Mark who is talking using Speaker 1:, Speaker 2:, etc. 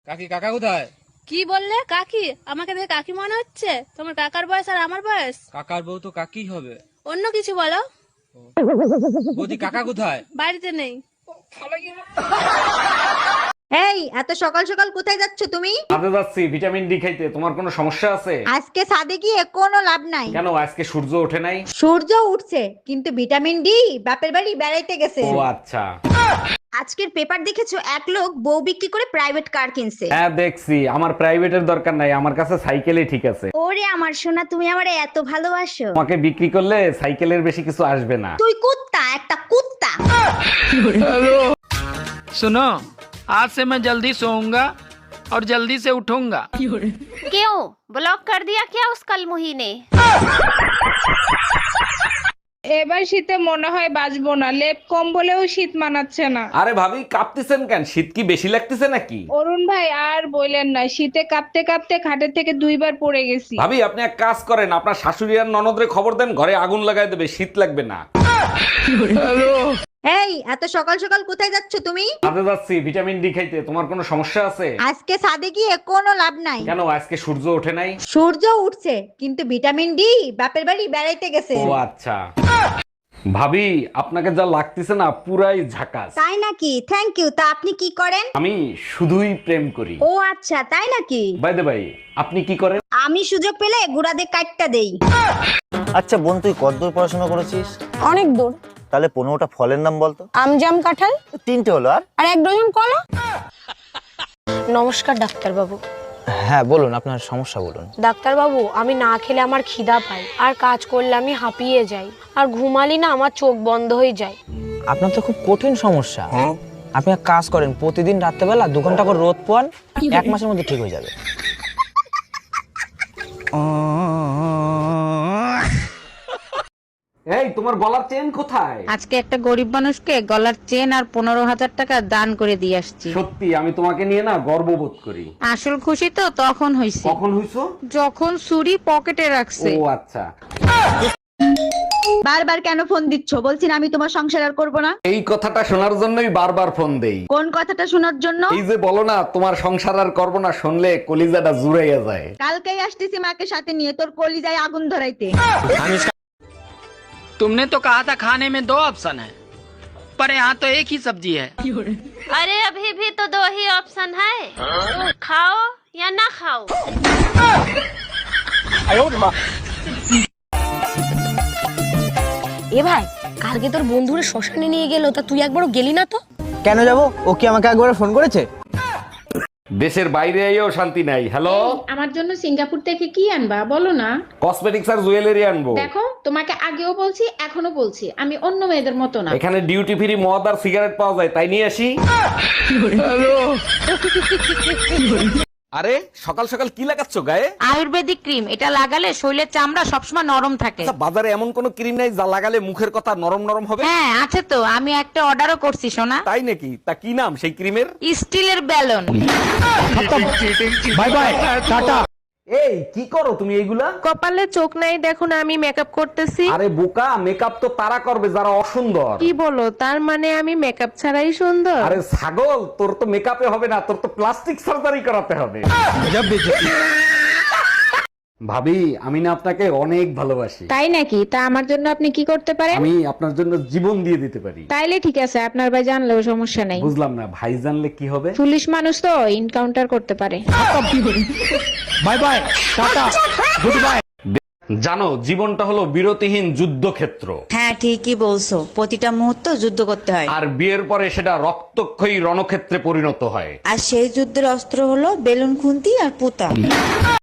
Speaker 1: কাকি কাকা কোথায়?
Speaker 2: কি বললে? কাকি? আমাকে দেখে কাকি মনে হচ্ছে? তোমার কাকার বয়স আর আমার বয়স।
Speaker 1: কাকার বউ তো কাকি হবে।
Speaker 2: অন্য কিছু বলো।
Speaker 1: বৌদি কাকা কোথায়?
Speaker 2: বাড়িতে নেই।
Speaker 3: এই এত সকাল সকাল কোথায় যাচ্ছ তুমি?
Speaker 4: কাজে যাচ্ছি ভিটামিন ডি খাইতে। তোমার কোনো সমস্যা আছে?
Speaker 3: আজকে ছাদে গিয়ে কোনো লাভ নাই।
Speaker 4: কেন, আজকে সূর্য ওঠে নাই?
Speaker 3: সূর্য উঠছে কিন্তু ভিটামিন ডি বাপের বাড়ি বেড়াইতে গেছে।
Speaker 4: ও আচ্ছা।
Speaker 3: আজকের পেপার দেখেছো, এক লোক বউ বিক্রি করে প্রাইভেট কার কিনছে।
Speaker 4: হ্যাঁ দেখছি। আমার প্রাইভেটের দরকার নাই, আমার কাছে সাইকেলই ঠিক আছে।
Speaker 3: ওরে আমার সোনা, তুমি আমারে এত ভালোবাসো।
Speaker 4: তোমাকে বিক্রি করলে সাইকেলের বেশি কিছু আসবে না।
Speaker 3: তুই কুত্তা, একটা কুত্তা।
Speaker 5: सुनो, आज से मैं जल्दी सोऊंगा और जल्दी से उठूंगा।
Speaker 6: क्यों ब्लॉक कर दिया क्या उस कलमुही ने?
Speaker 7: এবার শীতে মনে হয় বাঁচবো না, লেপ কম্বলেও শীত মানাচ্ছে না।
Speaker 4: আরে ভাবি কাঁপতেছেন কেন? শীত কি বেশি লাগতেছে নাকি?
Speaker 7: অরুণ ভাই আর বললেন না, শীতে কাঁপতে কাঁপতে খাটের থেকে 2 বার পড়ে গেছি।
Speaker 4: ভাবি আপনি এক কাজ করেন, আপনার শাশুড়ি আর ননদরে খবর দেন, ঘরে আগুন লাগাই দেবে, শীত লাগবে না।
Speaker 3: এই এত সকাল সকাল কোথায় যাচ্ছ তুমি?
Speaker 4: কাজে যাচ্ছি ভিটামিন ডি খাইতে। তোমার কোনো সমস্যা আছে?
Speaker 3: আজকে ছাদে গিয়ে কোনো লাভ নাই।
Speaker 4: কেন, আজকে সূর্য ওঠে নাই?
Speaker 3: সূর্য উঠছে কিন্তু ভিটামিন ডি বাপের বাড়ি বেড়াইতে গেছে।
Speaker 4: ও আচ্ছা। ভাবি আপনাকে যা লাগতেছে না পুরাই ঝাকাস।
Speaker 3: তাই নাকি? Thank you. তা আপনি কি করেন?
Speaker 4: আমি শুধুই প্রেম করি।
Speaker 3: ও আচ্ছা, তাই নাকি?
Speaker 4: বাই দ্য বাই, আপনি কি করেন?
Speaker 3: আমি সুযোগ পেলে গুড়াদের কাটটা দেই।
Speaker 8: আচ্ছা বোন, তুই কতদূর পড়াশোনা করেছিস?
Speaker 9: অনেক দূর।
Speaker 8: তাহলে 15টা ফলের নাম বলতো।
Speaker 9: আম, জাম, কাঁঠাল,
Speaker 8: 3টে হলো।
Speaker 9: আর 1 ডজন কলা। নমস্কার ডাক্তারবাবু।
Speaker 8: হ্যাঁ বলুন, আপনার সমস্যা বলুন।
Speaker 9: ডাক্তারবাবু, আমি না খেলে আমার খিদা পায়, আর কাজ করলে আমি হাঁপিয়ে যাই, আর ঘুমালি না আমার চোখ বন্ধ হয়ে যায়।
Speaker 10: আপনার তো খুব কঠিন সমস্যা। আপনি এক কাজ করেন, প্রতিদিন রাত্রেবেলা 2 ঘন্টা করে রোদ পোয়ান, 1 মাসের মধ্যে ঠিক হয়ে যাবে।
Speaker 4: এই তোমার গলার চেন কোথায়?
Speaker 11: আজকে একটা গরিব মানুষকে গলার চেন আর 15,000 টাকা দান করে দিয়ে আসছি।
Speaker 4: সত্যি আমি তোমাকে নিয়ে না গর্ববোধ করি।
Speaker 11: আসল খুশি তো তখন হইছে
Speaker 4: কখন হইছো?
Speaker 11: যখন ছুরি পকেটে রাখছে।
Speaker 4: ও আচ্ছা।
Speaker 3: বারবার কেন ফোন দিচ্ছ? বলছি না আমি তোমার সংসার আর করবো না।
Speaker 4: এই কথাটা শোনার জন্যই বারবার ফোন দেই।
Speaker 3: কোন কথাটা শোনার জন্য?
Speaker 4: এই যে বলো না তোমার সংসার আর করবো না, শুনলে কলিজাটা জুড়াইয়া যায়।
Speaker 3: কালকেই আসতেছি মাকে সাথে নিয়ে, তোর কলিজায় আগুন ধরাইতে।
Speaker 5: तुमने तो कहा था खाने में 2 ऑप्शन है, पर यहाँ तो एक ही सब्जी है।
Speaker 6: अरे अभी भी तो 2 ही ऑप्शन है, खाओ या ना खाओ।
Speaker 9: এ ভাই, কালকে তোর বন্ধুরা শ্মশানে নিয়ে গেল, তা তুই একবারও গেলি না তো?
Speaker 10: কেন যাব? ও কি আমাকে একবার ফোন করেছে?
Speaker 4: দেশের বাইরে এও শান্তি নাই। হ্যালো,
Speaker 7: আমার জন্য সিঙ্গাপুর থেকে কি আনবা বলো না?
Speaker 4: কসমেটিক্স আর জুয়েলারি আনবো।
Speaker 7: দেখো, তোমাকে আগেও বলছি এখনো বলছি, আমি অন্য মেয়েদের মতো না।
Speaker 4: এখানে ডিউটি ফ্রি মদ আর সিগারেট পাওয়া যায়, তাই নিয়ে আসি। আরে সকাল সকাল কি লাগাচ্ছ গায়ে?
Speaker 11: আয়ুর্বেদিক ক্রিম, এটা লাগালে শরীরের চামড়া সবসময় নরম থাকে।
Speaker 4: আচ্ছা, বাজারে এমন কোন ক্রিম নাই যা লাগালে মুখের কথা নরম নরম হবে?
Speaker 11: হ্যাঁ আছে তো, আমি একটা অর্ডারও করছি সোনা।
Speaker 4: তাই নাকি? তা কি নাম সেই ক্রিমের?
Speaker 11: স্টিলের ব্যালন।
Speaker 4: By bye, tata. এই কি করো তুমি এইগুলা?
Speaker 2: কপালে চোখ নাই দেখো না, আমি মেকআপ করতেছি।
Speaker 4: আরে বোকা, মেকআপ তো তারা করবে যারা অসুন্দর।
Speaker 2: কি বলো? তার মানে আমি মেকআপ ছাড়াই সুন্দর?
Speaker 4: আরে ছাগল, তোর তো মেকআপে হবে না, তোর তো প্লাস্টিক সার্জারি করাতে হবে। ভাবি আমি না আপনাকে অনেক ভালোবাসি।
Speaker 7: তাই নাকি? তা আমার জন্য আপনি কি করতে পারেন?
Speaker 4: আমি আপনার জন্য জীবন দিয়ে দিতে পারি।
Speaker 7: তাইলে ঠিক আছে, আপনার ভাই জানলেও সমস্যা নাই।
Speaker 4: বুঝলাম না, ভাই জানলে কি হবে?
Speaker 7: পুলিশ মানুষ তো এনকাউন্টার করতে পারে।
Speaker 4: Bye bye, tata, good bye. জানো জীবনটা হলো বিরতিহীন যুদ্ধক্ষেত্র।
Speaker 3: হ্যাঁ ঠিকই বলছো, প্রতিটা মুহূর্ত যুদ্ধ করতে হয়।
Speaker 4: আর বিয়ের পরে সেটা রক্তক্ষয়ী রণক্ষেত্রে পরিণত হয়।
Speaker 3: আর সেই যুদ্ধের অস্ত্র হলো বেলুন, খুন্তি আর পুতা।